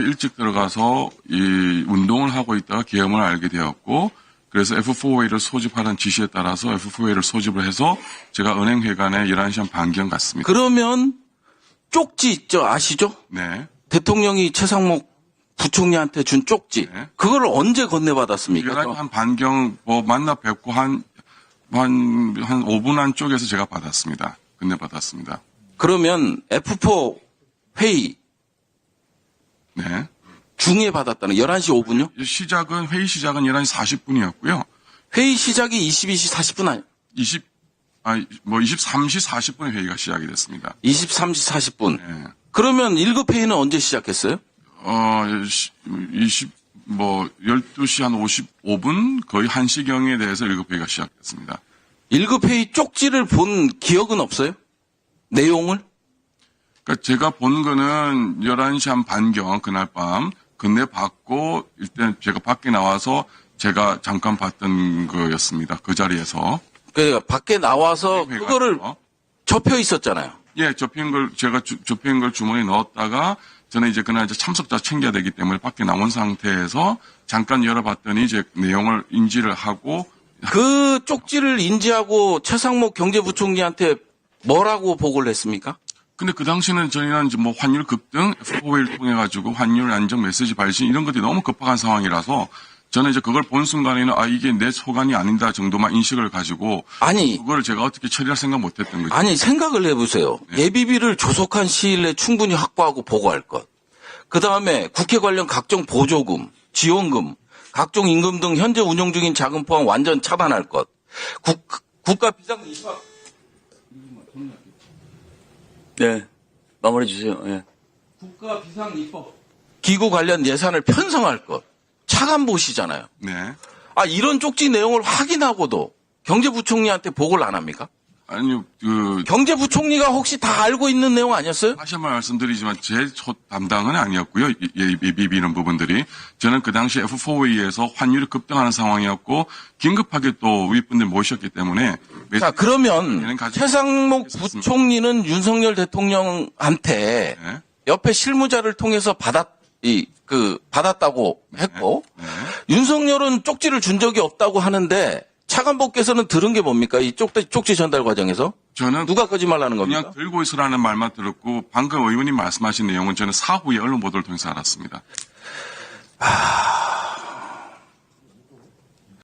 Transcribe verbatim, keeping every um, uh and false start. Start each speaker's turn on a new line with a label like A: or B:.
A: 일찍 들어가서 이 운동을 하고 있다가 계엄을 알게 되었고 그래서 에프 사 웨이를 소집하라는 지시에 따라서 에프 사 웨이를 소집을 해서 제가 은행회관에 열한 시 한 반경 갔습니다.
B: 그러면 쪽지 있죠? 아시죠?
A: 네.
B: 대통령이 최상목 부총리한테 준 쪽지.
A: 네.
B: 그거를 언제 건네받았습니까?
A: 열한 시 한 반경 뭐 만나 뵙고 한, 한, 한 오 분 안쪽에서 제가 받았습니다. 건네받았습니다.
B: 그러면 에프 사 회의
A: 네.
B: 중에 받았다는 열한 시 오 분요?
A: 시작은, 회의 시작은 열한 시 사십 분이었고요.
B: 회의 시작이 이십이 시 사십 분 아니에요?
A: 이십, 아, 뭐 이십삼 시 사십 분에 회의가 시작이 됐습니다.
B: 이십삼 시 사십 분.
A: 네.
B: 그러면 일 급 회의는 언제 시작했어요?
A: 어, 이십, 뭐, 열두 시 한 오십오 분, 거의 한 시경에 대해서 일 급 회의가 시작됐습니다.
B: 일 급 회의 쪽지를 본 기억은 없어요? 내용을?
A: 그러니까 제가 본 거는 열한 시 한 반경, 그날 밤, 건네받고, 일단 제가 밖에 나와서 제가 잠깐 봤던 거였습니다. 그 자리에서.
B: 그러니까 밖에 나와서
A: 회의가
B: 그거를
A: 있어서.
B: 접혀 있었잖아요.
A: 예, 접힌 걸, 제가 주, 접힌 걸 주머니에 넣었다가, 저는 이제 그날 이제 참석자 챙겨야 되기 때문에 밖에 나온 상태에서 잠깐 열어봤더니 이제 내용을 인지를 하고,
B: 그 쪽지를 인지하고 최상목 경제부총리한테 뭐라고 보고를 했습니까?
A: 근데 그 당시는 저희는 이제 뭐 환율 급등, 에프 사 웨이를 통해 가지고 환율 안정 메시지 발신 이런 것들이 너무 급박한 상황이라서 저는 이제 그걸 본 순간에는 아, 이게 내 소관이 아닌다 정도만 인식을 가지고
B: 아니,
A: 그걸 제가 어떻게 처리할 생각 못 했던 거죠.
B: 아니 생각을 해보세요. 예비비를 조속한 시일 내에 충분히 확보하고 보고할 것. 그 다음에 국회 관련 각종 보조금, 지원금, 각종 임금 등 현재 운용 중인 자금 포함 완전 차단할 것. 국, 국가 비상 입학.
C: 네. 마무리해 주세요. 예.
B: 국가 비상 입법. 기구 관련 예산을 편성할 것. 차관보시잖아요.
A: 네.
B: 아, 이런 쪽지 내용을 확인하고도 경제부총리한테 보고를 안 합니까?
A: 아니요, 그,
B: 경제부총리가 혹시 다 알고 있는 내용 아니었어요?
A: 다시 한번 말씀드리지만 제 첫 담당은 아니었고요. 예비비는 부분들이. 저는 그 당시 에프 사 웨이에서 환율이 급등하는 상황이었고 긴급하게 또 윗분들 모셨기 때문에
B: 자, 그러면
A: 얘는 가지고
B: 최상목
A: 있었습니다.
B: 부총리는 윤석열 대통령한테
A: 네.
B: 옆에 실무자를 통해서 받았, 이, 그, 받았다고 했고,
A: 네.
B: 윤석열은 쪽지를 준 적이 없다고 하는데, 차관보께서는 들은 게 뭡니까? 이 쪽지, 쪽지 전달 과정에서?
A: 저는
B: 누가 거짓말하는 겁니까?
A: 그냥 들고 있으라는 말만 들었고 방금 의원님 말씀하신 내용은 저는 사후에 언론 보도를 통해서 알았습니다.
B: 아,